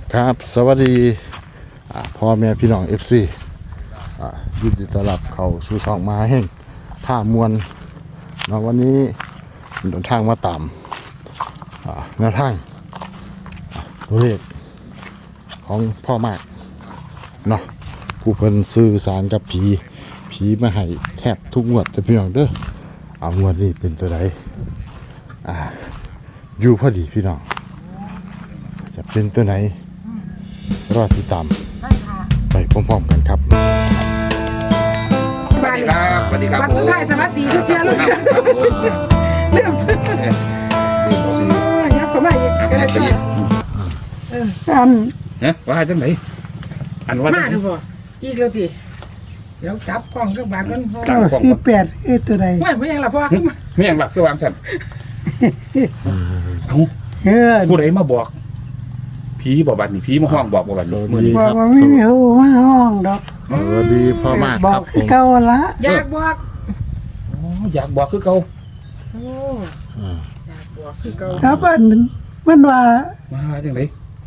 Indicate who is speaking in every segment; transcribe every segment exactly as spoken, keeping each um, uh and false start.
Speaker 1: ครับสวัสดีพ่อแม่พี่น้องเอฟซียินดีต้อนรับเข้าสู่ช่องมาแห่งท่ามวลเนาะวันนี้เดินทางมาตามแนวทางตัวเลขของพ่อมากเนาะผู้เพิ่นสื่อสารกับผีผีมาให้แทบทุกงวดเลยพี่น้องเด้อเอางวดนี้เป็นตัวใดอ่าอยู่พอดีพี่น้องจะเป็นตัวไหนรอติดตามไปพร้อมๆกันครับ
Speaker 2: สวัสดีครับสวัสดีครับวันสุดท้ายสวัสดีทุกเชียร์ลูกเริ่มสุดยับเข้ามาอีกก็ได้ตัวอัน
Speaker 3: เนี่ยว่าจังไหนอันว่า
Speaker 2: มาดูบ่อีกแล้วทีเดี๋ยวจับกล้องก็บาดกันพอ
Speaker 4: เก้าสี่แปดเอ้ตัวใด
Speaker 2: ไม่ไม่ยังละพ่อ
Speaker 3: ไม่ยังหลักคือวางสันเอ้า
Speaker 4: เฮ้ย
Speaker 3: ผู้ใดมาบอกผีบอกบัดนี่ผีมาห้องบอกบอกบัดนี่มื้อนี้
Speaker 4: บอกว่าไม่มีหัวห้องดอก
Speaker 1: สวัสดีพ่อมาก
Speaker 4: บ
Speaker 1: ค
Speaker 4: อ
Speaker 1: รั
Speaker 4: ก
Speaker 1: บผ
Speaker 4: คือ
Speaker 1: ม
Speaker 4: เก่าละ
Speaker 2: อยากบอก
Speaker 3: อ๋ออยากบอกคือเขา
Speaker 2: โอ้อยากบอกคือเก่า
Speaker 4: ครับอันนั้นมันว่า
Speaker 3: มาว่าจังไหน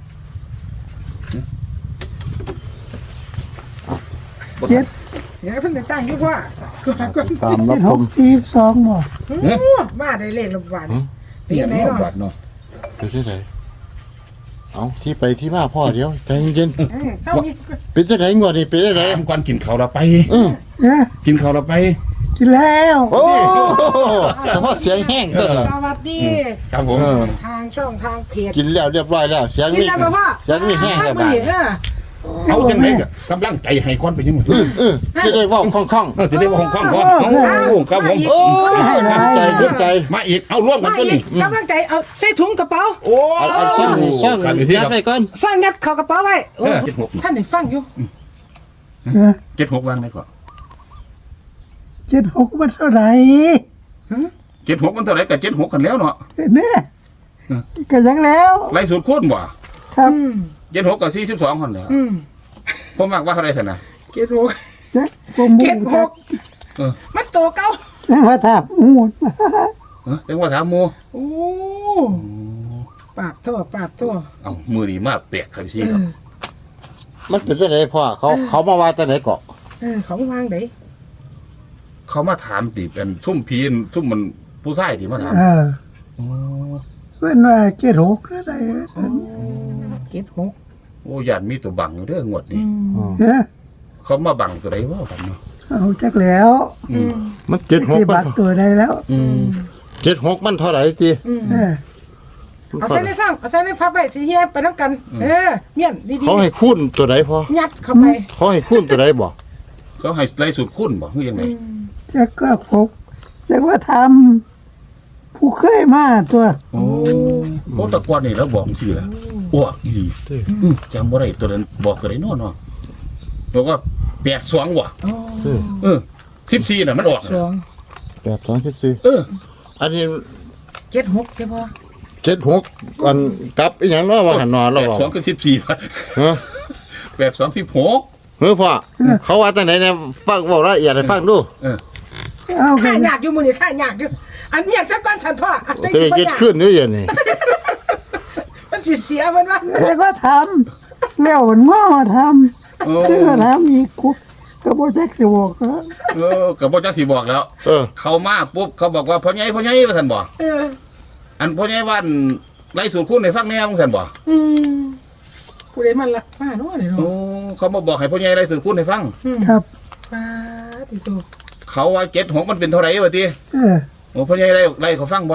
Speaker 4: เจ็ด
Speaker 2: เดี๋ยวเพิ่นจะตั้งอยู่พ่อก่อน
Speaker 1: ตามรับ
Speaker 4: เจ็ด
Speaker 1: ช
Speaker 4: ห
Speaker 1: ม
Speaker 4: กสี่สองบ่
Speaker 2: มาได้เลขละบาท
Speaker 3: เนี่
Speaker 2: เป็น
Speaker 3: ย
Speaker 2: ไหน
Speaker 3: มา
Speaker 2: เนาะ
Speaker 3: บัดเนาะ
Speaker 1: เป็นที่ไหนเอาที่ไปที่มาพ่อเดี๋ยวใจเย็น
Speaker 2: เจ้านี่
Speaker 1: ๆเป็นที่ไหนงวดนี้เป็นที่ไหน
Speaker 3: ถามก่อนกินข้าวเราไป
Speaker 1: เออ
Speaker 4: เนี่ย
Speaker 3: กินข้าวเราไป
Speaker 4: กินแล้ว
Speaker 1: โอ้แต่ว่าเสียงแห้งตัวละ
Speaker 2: สวัสดี
Speaker 3: ครับผม
Speaker 1: เออ
Speaker 2: ทางช่องทางเพจ
Speaker 1: กินแล้วเรียบร้อยแล้วเสียง
Speaker 2: กิน
Speaker 1: นี่
Speaker 2: แล้วพ่อ
Speaker 1: เสียงนี่แห้งแล้ว
Speaker 2: บ้า
Speaker 1: บ้าน
Speaker 2: เออ
Speaker 3: เอาจังไหนก็กำลังใจให้คนไปยังไง
Speaker 1: เออเออจะได้เว่าคล่อง
Speaker 3: เออจะได้ว่าห้องข้างก่อนโอ้ครับผม
Speaker 1: ๆโอ้ยดีใจดีใจ
Speaker 3: มาอีกเอาร่วมกัน
Speaker 2: มา
Speaker 3: ตัว
Speaker 2: อี
Speaker 3: นี้
Speaker 2: กกำลังใจเอาใส่ถุงกระเป๋า
Speaker 3: โอ้
Speaker 1: เอาเอาซ่องนี่ซ่อง
Speaker 3: กันอยู่
Speaker 1: นี่
Speaker 3: ที่
Speaker 1: ยัดใส่ก่อน
Speaker 2: สร้างยัดเข้ากระเป๋าไว้
Speaker 3: เออเจ็ดหก
Speaker 2: ท่านได้ฟังอยู่
Speaker 4: เนี่ย
Speaker 3: เจ็ดหกวางไหนก่อน
Speaker 4: เจ็ดหกมันเท่าไหร่
Speaker 3: เจ็ดหกมันเท่าไหร่กับเจ็ดหกกันแล้วเนาะ
Speaker 4: เนี่ยก็ยังแล้ว
Speaker 3: ไล่สูตรคูณบ่
Speaker 4: ครับ
Speaker 2: อืม
Speaker 3: เจ็ดหกกับสี่สิบสองคนแล้ว
Speaker 2: อืม
Speaker 3: ผมมากว่าเท่าไหร่สินะ
Speaker 2: เจ็ดหก
Speaker 4: เจ็ดผมมุ
Speaker 2: เจ็ด
Speaker 4: ง
Speaker 2: หก
Speaker 3: เออ
Speaker 2: มันโตเก้า
Speaker 4: จังว่าถามมูด
Speaker 3: เออจังว่าถามโม
Speaker 2: โอ้ปาดโทษปาดโทษ
Speaker 3: เอามือนี่มาแปลกครับพี่
Speaker 2: เอ
Speaker 3: ครับ
Speaker 2: อ
Speaker 1: มันเป็นที่ไหนพ่อเขาเขามาว่าที่ไหนเกาะ
Speaker 2: เออเขาวางไหน
Speaker 3: เขามาถามติเป็นซุ่มพีนซุ่มมันผู้ชายที่มาถาม
Speaker 4: เออ
Speaker 3: อ๋อ
Speaker 4: เพื่อนว่าเจ็ดหกเท่าไหร่
Speaker 2: เจ็ดหก
Speaker 3: โอ้ยันมีตัวบังอยู่เด้องวด
Speaker 2: อื
Speaker 3: นี่
Speaker 2: ม
Speaker 4: เนี่ย
Speaker 3: เขามาบังตัวใดว่ากันเนาะ
Speaker 4: เอาจักแล้ว
Speaker 3: อืม
Speaker 1: มันเจ็ดหก
Speaker 4: ที่
Speaker 1: มั
Speaker 4: บั
Speaker 1: น
Speaker 4: ตรตัวได้แล้ว
Speaker 3: อืม
Speaker 1: เจ็ดหกมันเท่าไหร่จี
Speaker 2: อืม
Speaker 4: เออ
Speaker 2: เอาใส่ในซ่องเอาใส่ในพับไว้สีเฮียไปน้ำกัน เออเมียนดี
Speaker 1: เขาให้คุ้นตัวไหนพ่อ
Speaker 2: ๆยัดเข้าไป
Speaker 1: เขาให้คุ้นตัวไหนบ่
Speaker 3: เขาให้ไล่สูตรคูณบ่คือยังไง
Speaker 4: จักก็พกจักว่าทำผู้เคยมาตัว
Speaker 3: โอ้เขาตะกอนนี่แล้วบอกสิล่ะอ้วกอีหลีอืมจำบ่ได้ตัวนั้นบอกก็ได้เนาะเนาะบอกว่าแปดสองว่ะ
Speaker 2: โอ้
Speaker 3: เออสิบสี่น่ะมันออก
Speaker 2: สอง
Speaker 1: แปดสองสิบสี่
Speaker 3: เออ
Speaker 1: อันนี้
Speaker 2: เจ็ดหกใช่ปะ
Speaker 1: เจ็ดหกอันกลับอีหยังเนาะว่าหันนอน
Speaker 3: แป
Speaker 1: เรา
Speaker 3: ด
Speaker 1: บอก
Speaker 3: สองคือสิบสี่พัน
Speaker 1: ฮะ
Speaker 3: แปดสองสิบหก
Speaker 1: เฮ้ยพ่อเขาว่าจังไหนเนี่ยฟังบอกละเอียดให้ฟังดู
Speaker 3: เออ
Speaker 4: เอากั
Speaker 2: ข้าน หยาดอยู่มือนี่ข้าหยาดอยู่อันเมียนสักก้อนสันพ่ออันจัง
Speaker 1: จะ
Speaker 2: สิ
Speaker 1: ได้
Speaker 2: บ่
Speaker 1: เย็ด
Speaker 2: หยาด
Speaker 1: ขึ้นด้วยอย่างนี้
Speaker 2: มันสิเสียมันวะ
Speaker 4: จักว่าทำแล้วมันว่ามาท
Speaker 3: โอ้
Speaker 4: ำจักว่าทำอีกคุกก็บ่จักสิบอกนะ
Speaker 3: เออกับพ่อจ้าที่บอกแล้ว
Speaker 1: เออ
Speaker 3: เขามาปุ๊บเขาบอกว่าพ่อใหญ่พ่อใหญ่ว่าท่านบอก
Speaker 2: เออ
Speaker 3: อันพ่อใหญ่ว่าอันไล่สูตรคูณในฟังแนวของท่านบอก
Speaker 2: อืมผู้ใดมันละมาเนาะนี่
Speaker 3: โอ้
Speaker 2: เนาะ
Speaker 3: เขามาบอกให้พ่อใหญ่ไล่สูตรคูณในฟัง
Speaker 2: อืม
Speaker 4: ครับ
Speaker 2: ปาติโต
Speaker 3: เขาว่าเจ็ดหกมันเป็นเท่าไหร่วะที
Speaker 4: เออ
Speaker 3: โอ้พ่อใหญ่ไล่ไล่เขาฟังบ่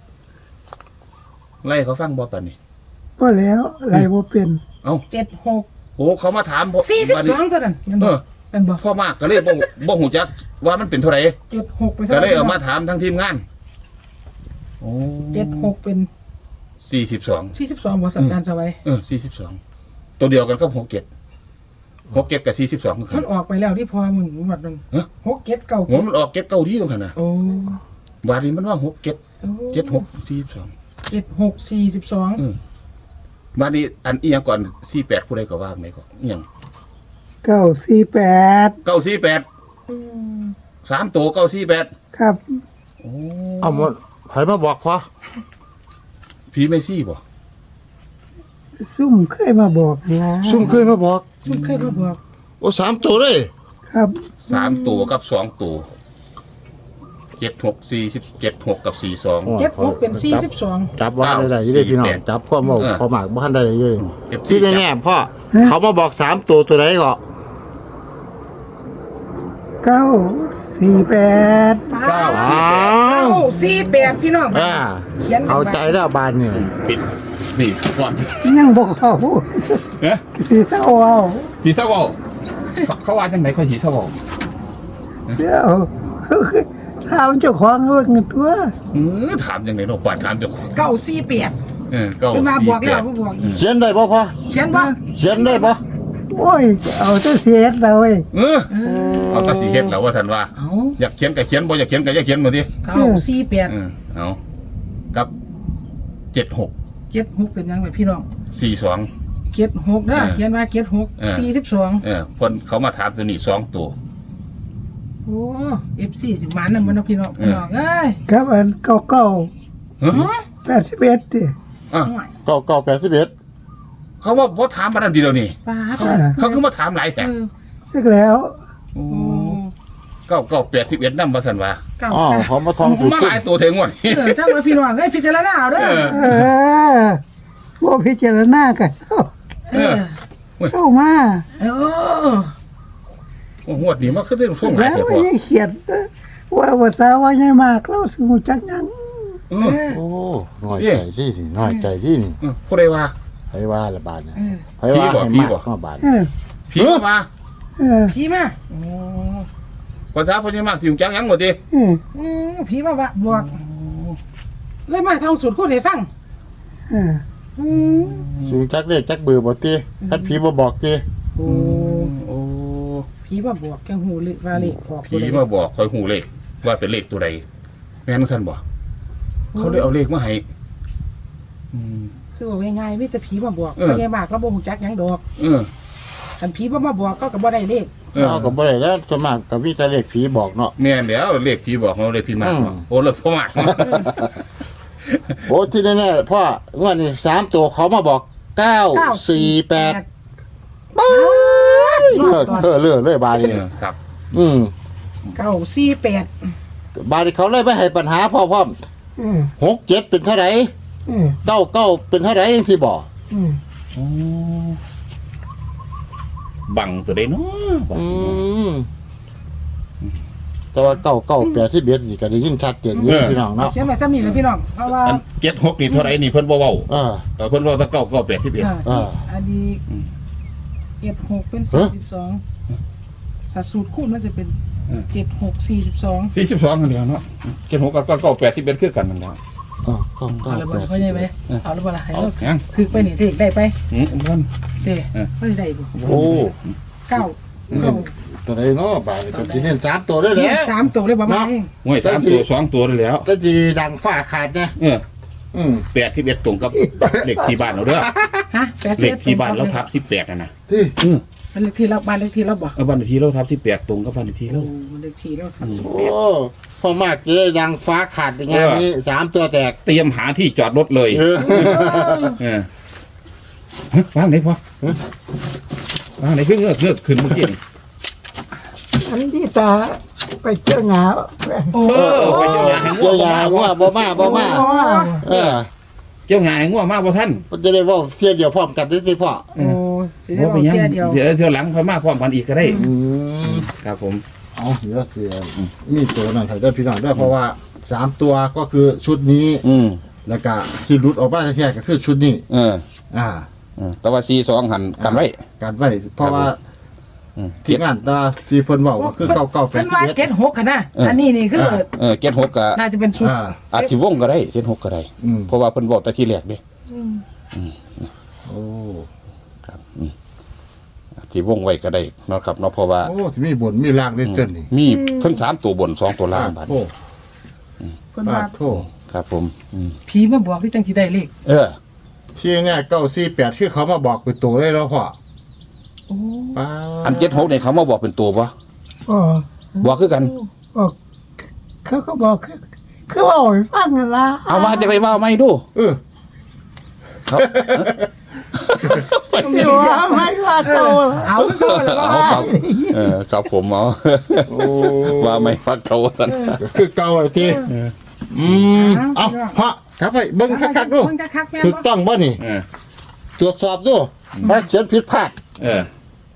Speaker 3: ไล่เขาฟังบ่ปานนี้
Speaker 4: ก็แล้วอะไรบ่เป็น
Speaker 3: เอ้า
Speaker 2: เจ็ดหก
Speaker 3: โอ้เขามาถามพ่อ
Speaker 2: สี่สิบ
Speaker 3: บัด
Speaker 2: ส
Speaker 3: นี้
Speaker 2: องตัวนั้นมัน
Speaker 3: เอบ
Speaker 2: อ
Speaker 3: อก
Speaker 2: มันบอก
Speaker 3: พ่อมากก็เลยบ่บ่หูจักว่ามันเป็นเท่าไหร่
Speaker 2: เจ็ดหกไป
Speaker 3: ก็เลยเอามาถามทั้งทีมงานโอ้
Speaker 2: เจ็ดหกเป็น
Speaker 3: สี่สิบสอง
Speaker 2: สี่สิบสองบริษัทการสวัย
Speaker 3: เออสี่สิบสองตัวเดียวกันก็หกเจ็ดหกเจ็ดกับสี่สิบสองคือกั
Speaker 2: มัน นออกไปแล้วที่พอมึงหมดนึง
Speaker 3: ฮะ
Speaker 2: หกเจ็ดเก้า
Speaker 3: หัวมันออกเจ็ดเก้าดีตรงกันนะ
Speaker 2: โอ้
Speaker 3: บาทนี้มันว่าหกเจ็ดเจ็ดหกสี่สิบสอง
Speaker 2: เจ็ดหกสี่สิบสอง
Speaker 3: บาทนี้อันอีหยังก่อนสี่แปดผู้ใดก็ว่าไหนก็อีหยัง
Speaker 4: เก้าสี่แปด
Speaker 3: เก้าสี่แปดสามตัวเก้าสี่แปด
Speaker 4: ครับ
Speaker 3: โอ้
Speaker 1: เอาหมดใครมาบอกพ่อ
Speaker 3: ผีไม่ซี่บ่
Speaker 4: ซุ่มเคยมาบอกนะ
Speaker 1: ซุ่มเคยมาบอก
Speaker 2: ซุ่มเคยมาบอก
Speaker 1: โอ้สามตัวเลย
Speaker 4: ครับ
Speaker 3: สามตัวกับสองตัวเจ็ดหกสี่สิบเจ็ดหกกับสี่สอง
Speaker 2: เจ็ดหกเป็นสี่สิบสอง
Speaker 1: จับว่าได้ได้อยี่ได้พี่น้อง
Speaker 3: เก้าสี่แปด
Speaker 1: จับข้อมา
Speaker 3: เออ
Speaker 1: พอหมากบ้านได้เลยยี่เลย
Speaker 3: เอฟซี
Speaker 1: ที่แน่ๆพ่อเขามาบอกสามตัวตัวไหนก็
Speaker 4: เก้าสี่แปด
Speaker 3: เก้า
Speaker 1: อ้า
Speaker 2: เก้าว สี่แปดพี่น้อง
Speaker 1: อ่า
Speaker 2: เขียน
Speaker 1: เอาใจแล้วบานเนี่ย
Speaker 3: ปิดนี่ก่อน
Speaker 4: ยังบอกเขา
Speaker 3: เอ๊ะ
Speaker 4: สีเศร้าเอา
Speaker 3: สีเศร้าบอกเขาว่าจังไหนเขาสีเศร้าบอก
Speaker 4: เดี๋ยวถามเจ้าของว่าเงินตัว
Speaker 3: เออถามจังไหนเนาะกว่าถามเจ้าของ
Speaker 2: เก้าสี่แปด
Speaker 3: เออเก้า
Speaker 2: เป็นมา
Speaker 3: สี่
Speaker 2: บอก
Speaker 3: แป
Speaker 2: แล้ว
Speaker 3: ด
Speaker 2: มาบอกอีก
Speaker 1: เขียนได้ป่พ่อ
Speaker 2: เขียนว่า
Speaker 1: เขียนได้ป่
Speaker 4: โอ้ยเอาแต่เสียดเราเว้ย
Speaker 3: เออเอาแตาสีเฮ็ดแล้วว่าท่านว่า
Speaker 2: เอา
Speaker 3: อยากเขียนก็เขียนบ่อยากเขียนก็อย่าเขียนมาดิ
Speaker 2: เก้าสี่แปด
Speaker 3: เออเอากับเจ็ดหก
Speaker 2: เจ็ดหกเป็นยังไงพี่น้อง
Speaker 3: สี่สอง
Speaker 2: เจ็ดหกนะ
Speaker 3: เออ
Speaker 2: เขียนว่าเจ็ดหก
Speaker 3: เออ
Speaker 2: สี่สิบสอง
Speaker 3: เออคนเขามาถามตัวนี้สองตัว
Speaker 2: โอ้เอฟซีสิบมันนั่นมันเนาะพี่น้องพี่น้องเอ้ย
Speaker 4: ครับอันเก้าเก้า
Speaker 3: เฮ้ย
Speaker 4: แปดสิบเอ็ดดิ
Speaker 3: อ่ะ
Speaker 2: ห่วย
Speaker 1: เก้าเก้าแปดสิบเอ็ด
Speaker 3: เขาว่าพอถามมาทันทีเดียวนี่
Speaker 2: ป้าด
Speaker 3: เขาคือมาถามหลายแถ
Speaker 2: เอ
Speaker 3: ม
Speaker 2: อ
Speaker 4: เสร็จแล้ว
Speaker 2: โอ้
Speaker 3: เก้าเก้าแปดสิบเอ็ดนั่นมาสันว่า
Speaker 2: เก้า
Speaker 1: อ๋อ
Speaker 2: เก้า
Speaker 1: เขามาทองสุด
Speaker 3: มาหลายตัวเทงวดนี้
Speaker 2: เออจ้ามาพี่น้องเอ้ยพิจารณาเอาเด้อ
Speaker 3: เออ
Speaker 4: เออว่าพิจารณากัน
Speaker 2: เออ
Speaker 4: เข้ามา
Speaker 2: เออ
Speaker 3: โอ้งวดนี้มันคือเรื่องฟุ้งหลาย
Speaker 4: แล้ว
Speaker 3: แถ
Speaker 4: ไม่
Speaker 3: พอ
Speaker 4: ได้เขียนว่าภาษาว่าใหญ่มากเราสมุจักยัง
Speaker 3: เออ
Speaker 1: โอ้น้อยใจที่นี่น้อยใจที่นี่
Speaker 3: เออผู้ใดว่า
Speaker 1: ไผว่าละบาทเนี่ย
Speaker 2: เออ
Speaker 1: ไผว่า
Speaker 3: ผีบ่
Speaker 1: ให้
Speaker 3: ผีบ่
Speaker 1: มากมาบาท
Speaker 4: เออ
Speaker 3: ผีมา
Speaker 4: เออ
Speaker 2: ผีมา
Speaker 3: ภาษาพญามากที่จังยังหมดดิ
Speaker 4: เออ
Speaker 2: อืมผีมาว่าบอกเลยมาท่องสูตรคุณให้ฟัง
Speaker 4: เออ
Speaker 2: อืม
Speaker 1: สูงจักเลขจักเบอร์บ่ติคันผีบ่บอกติ
Speaker 2: โอ้
Speaker 3: โอ้
Speaker 2: ผีมาบอกแกหูเลยว่าเลขออก
Speaker 3: ผีมาบอกคอยหูเลขว่าเป็นเลขตัวใดแม่นท่านบอกเขาเลยเอาเลขมาให้อืม
Speaker 2: คือว่าง่ายๆมีแต่ผีมาบอก
Speaker 3: เออ
Speaker 2: พญามากเราบ่ฮู้จักหยังดอก
Speaker 3: เออ
Speaker 2: คันผีบ่มาบอกก็ก็บ่ได้เลข
Speaker 3: เออ
Speaker 1: เอาก็บ่ได้แล้วส่วนมากก็มีแต่เลขผีบอกเนาะ
Speaker 3: แม่นแล้วเลขผีบอกเราเลขผีมาก
Speaker 1: อืม
Speaker 3: โอ้เลขพ่อมาก
Speaker 1: โอ้ที่แน่ๆพ่องวดนี้สามตัวเขามาบอกเก้าสี่แปด
Speaker 2: ป๊าด
Speaker 1: เลิกเออเลิกเลยบาด
Speaker 3: เอ
Speaker 1: นี้
Speaker 3: อครับ
Speaker 1: อืม
Speaker 2: เก้าสี่แปด
Speaker 1: บาดนี้เขาเลยไม่ให้ปัญหาพ่อพร้อม
Speaker 4: เออ
Speaker 1: หกเจ็ดเป็นเท่าไหร่
Speaker 4: เออ
Speaker 1: เก้าเก้าเป็นเท่าไหร่สิบอก
Speaker 4: เออ
Speaker 3: บังตัวใดเนาะบัง
Speaker 1: อืมแต่ว่าเก้าเก้าแปดที่เบียดนี่ก็ได้ยินชัดเจนอยู่พี่น้องเนาะ
Speaker 2: เขียนไว้ซ้ำนี่เลยพี่น้องเพราะว่า
Speaker 3: อันเจ็ดหกนี่เท่าไหร่นี่เพิ่นบ่เว้า
Speaker 1: เออ
Speaker 3: เออเพิ่นเว้าแตะเก้าเก้าแปดสิบเอ็ด
Speaker 2: อ่าสี่
Speaker 1: อ่า
Speaker 2: อันนี้
Speaker 3: อืม
Speaker 2: เจ็ดหกเป็น
Speaker 1: เอ้
Speaker 2: สี่
Speaker 1: อ
Speaker 2: สิบสองสัดสูตรคูณมันจะเป็น
Speaker 3: เออ
Speaker 2: เจ็ดหกสี่สิบสอง
Speaker 3: สี่สิบสองกันเดียวเนาะเจ็ดหกกับเก้าเก้าแปดสิบเอ็ดคือกันนั่นแหละ
Speaker 1: เออเก้าเก้า
Speaker 2: เอาละ
Speaker 1: แป
Speaker 2: บ่
Speaker 1: ด
Speaker 2: เขาใช่ไหมเอาละบ่ล่ะให้
Speaker 3: เอา
Speaker 2: เรา
Speaker 3: ยัง
Speaker 2: ถือไปนี่ถือได้ไป
Speaker 3: อืมเพิ่น
Speaker 2: เด้
Speaker 3: เออ
Speaker 2: ไม่ได้บ่
Speaker 1: โอ้
Speaker 2: เก้า
Speaker 1: เน้นตัวไหนเนาะบาดนี้ก็สิเน้นสามตัวได้แห
Speaker 2: เนี่
Speaker 1: ล้
Speaker 2: ยว สามตัวเลยประมาณนี้
Speaker 3: ห่วยสามตัวสองตัวได้แล้ว
Speaker 1: ก็สิดังฟ้าขาดนะ
Speaker 3: เออ
Speaker 1: อืม
Speaker 3: แปดสิบเอ็ดตรงกับเลขที่บ้านเราเด้อ
Speaker 2: ฮะแปดสิบ
Speaker 3: เล
Speaker 2: เอ็
Speaker 3: ข
Speaker 2: ด
Speaker 3: ที่บ้านเราทับสิบแปดนะนะ
Speaker 1: ที่
Speaker 3: อืม
Speaker 2: มันเลขที่เราบ้านเลขที่เราบ่
Speaker 3: เออบ้านเลขที่เราทับสิบแปดตรงกับบ้านเลขที่
Speaker 2: โอ้
Speaker 3: เรา
Speaker 2: เลขที่เราครับ
Speaker 1: โอ้พอมากจะได้ดังฟ้าขาดอย่างงี้นี้สามตัวแตก
Speaker 3: เตรียมหาที่จอดรถเลย
Speaker 1: เออ
Speaker 3: เออฮะวางไหนพอวางไหนขึ้นเงือกเงือกขึ้นเมื่อกี้นี่
Speaker 4: อันที่ตาไปเจ้าหงา
Speaker 2: โอ้
Speaker 3: เออไปเจ้าหงายให้ง่ว
Speaker 1: เจ้าง ยาว่าบ่มาบ่มา เออ
Speaker 3: เจ้าหงายให้ง่วงมากบ่ท่าน
Speaker 1: มันจะได้เว่าเสียเดียวพร้อมกันได้สิพ่อ
Speaker 2: โอ้สิได้
Speaker 3: ว่า
Speaker 2: บ
Speaker 3: ไป
Speaker 2: อก
Speaker 3: ยัง
Speaker 2: เสียเดียว
Speaker 3: เดี๋ยวเที่ยวหลังค่อยมาพร้อมกันอีกก็ได้
Speaker 1: อืม
Speaker 3: ครับผม
Speaker 1: เอาเดี๋ยวเสียมีตัวนั่นใส่ได้พี่น้องด้วยเพราะว่าสามตัวก็คือชุดนี้
Speaker 3: อืม
Speaker 1: แล้วก็ที่หลุดออกมาแท้ๆก็คือชุดนี้
Speaker 3: เออ
Speaker 1: อ่า
Speaker 3: เออแต่ว่าซีสองหันกันไว้
Speaker 1: การไว้เพราะว่า
Speaker 3: อืม
Speaker 1: ที่งานตาที่เพิ่นเว้าก็คือเก้าเก้าแป
Speaker 2: เป็
Speaker 1: ด
Speaker 2: น
Speaker 1: สิบ
Speaker 2: ว่า
Speaker 1: เอ็ด
Speaker 2: เจ็ดหกกันนะ
Speaker 3: เอออั
Speaker 2: อันนี้นี่คือ
Speaker 1: อ่า
Speaker 3: เออเจ็ดหกก็
Speaker 2: น่าจะเป็นชุด
Speaker 1: อ่า
Speaker 3: อาจสิวงก็ได้เจ็ดหกก็ได้
Speaker 1: อืม
Speaker 3: เพราะว่าเพิ่นบอกแต่ที่แรกเด้
Speaker 1: โอ้
Speaker 3: ครับอืมอาจสิวงไว้ก็ได้เนาะครับเนาะเพราะว่า
Speaker 1: โอ้ที่มีบนมีล่างเล่นเกินนี่
Speaker 3: มีทั้งสามตัวบนสองตัวล่างบัด
Speaker 1: โอ้
Speaker 2: คน
Speaker 1: ปา
Speaker 2: ว่า
Speaker 1: ดโท
Speaker 3: ครับผมอืม
Speaker 2: ผีมาบอกที่จังสิได้เลข
Speaker 3: เออ
Speaker 1: ที่ง่ายเก้าสี่แปดคือเขามาบอกเป็นตัวเลยแล้วพ่อ
Speaker 2: โอ้
Speaker 1: ป้า
Speaker 3: อันเจ็ดหกเนี่ยเขามาบอกเป็นตัวปะ
Speaker 4: อ๋อ
Speaker 3: บอกคือกัน
Speaker 4: บอกเขาก็บอกคือคือว่าให้ฟังกันละ
Speaker 3: เอาว่าจะไปว่าไม่ดู
Speaker 1: เออ
Speaker 3: ครับ
Speaker 2: ไม่ว่าไม่ว่าเก่าเอาเก่าแล้ว
Speaker 3: เอาครับเออครับผมเอา
Speaker 1: โอ้
Speaker 3: ว่าไม่ฟักเขาสัน
Speaker 1: คือเก่าเลยทีอืมเอาพระครับไปเบิ้งคักๆดู
Speaker 2: เบิ่งคักๆแม่
Speaker 1: ถูกต้องบ่นี่
Speaker 3: เออ
Speaker 1: ตรวจสอบดูว่าเขียนผิดพลาด
Speaker 3: เออ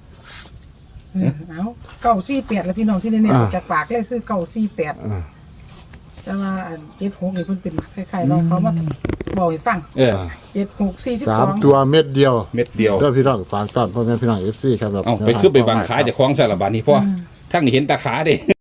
Speaker 2: เอาเก่าสี่แปดแล้วพี่น้องที่เนี่ยจากปากเลยคือเก่าสี่แปด
Speaker 1: อ่า
Speaker 2: แต่ว่าอันเจ็ดหกนี่เพิ่นเป็นคล้ายๆเราเขามาบอกให้ฟัง
Speaker 3: เออ
Speaker 2: เจ็ดหกสี่สิบ
Speaker 1: สา
Speaker 2: สอ
Speaker 1: ม
Speaker 2: ง
Speaker 1: ตัวเม็ดเดียว
Speaker 3: เม็ดเดียว
Speaker 1: เด้อพี่น้องฝากต้อนพ่อแม่พี่น้อง เอฟ ซี ครับ
Speaker 3: เอาไปขึ้นไปบังขาจะคล้องใส่ละบาดนี้พ่อทั้งนี้เห็นตาขาเด้